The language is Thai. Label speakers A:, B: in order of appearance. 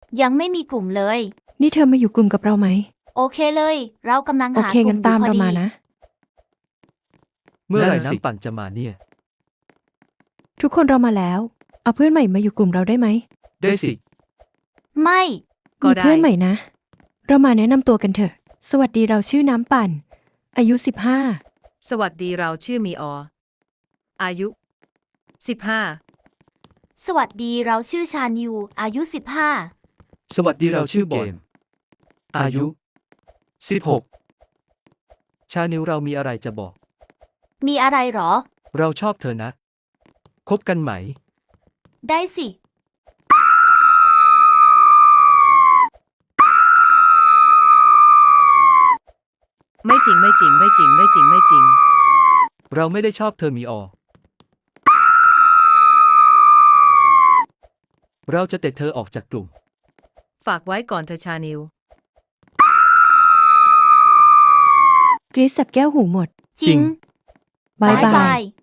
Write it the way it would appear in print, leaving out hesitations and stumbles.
A: ยังไม่มีกลุ่มเลย
B: นี่เธอมาอยู่กลุ่มกับเราไหม
A: โอเคเลย เรากำลัง
B: โอ
A: หา
B: เค
A: กลุ่
B: งั้
A: ม
B: น
A: อยู่
B: ตาม
A: พอ
B: เรา
A: ดี
B: มานะ
C: เมื่อไหร่
D: นั่นสิ
C: น้ำปั่นจะมาเนี่ย
B: ทุกคนเรามาแล้ว เอาเพื่อนใหม่มาอยู่กลุ่มเราได้ไหม
C: ได้สิ
A: ไม่
E: ก็
B: มี
E: ได้
B: เพื่อนใหม่นะ เรามาแนะนำตัวกันเถอะ สวัสดีเราชื่อน้ำปั่น อายุ
E: สวัสดีเราชื่อมีอ อายุ 15
A: สวัสดีเราชื่อชานิว อายุ
C: สวัสดีเราชื่อบอลอายุ 16 ชานิวเรามีอะไรจะบอก
A: 15 มีอะไรหรอ
C: เราชอบเธอนะ คบกันไหม
A: ได้สิ
E: ไม่จริงไม่จริงไม่จริงไม่จริงไม่จริง
C: เราไม่ได้ชอบเธอมีอ เราจะเตะเธอออกจากกลุ่ม
E: ฝากไว้ก่อนเธอชานิว
B: 15 กรีซสับแก้วหูหมด
A: จริง
B: บาย
A: บ๊าย
B: บา
A: บาย ย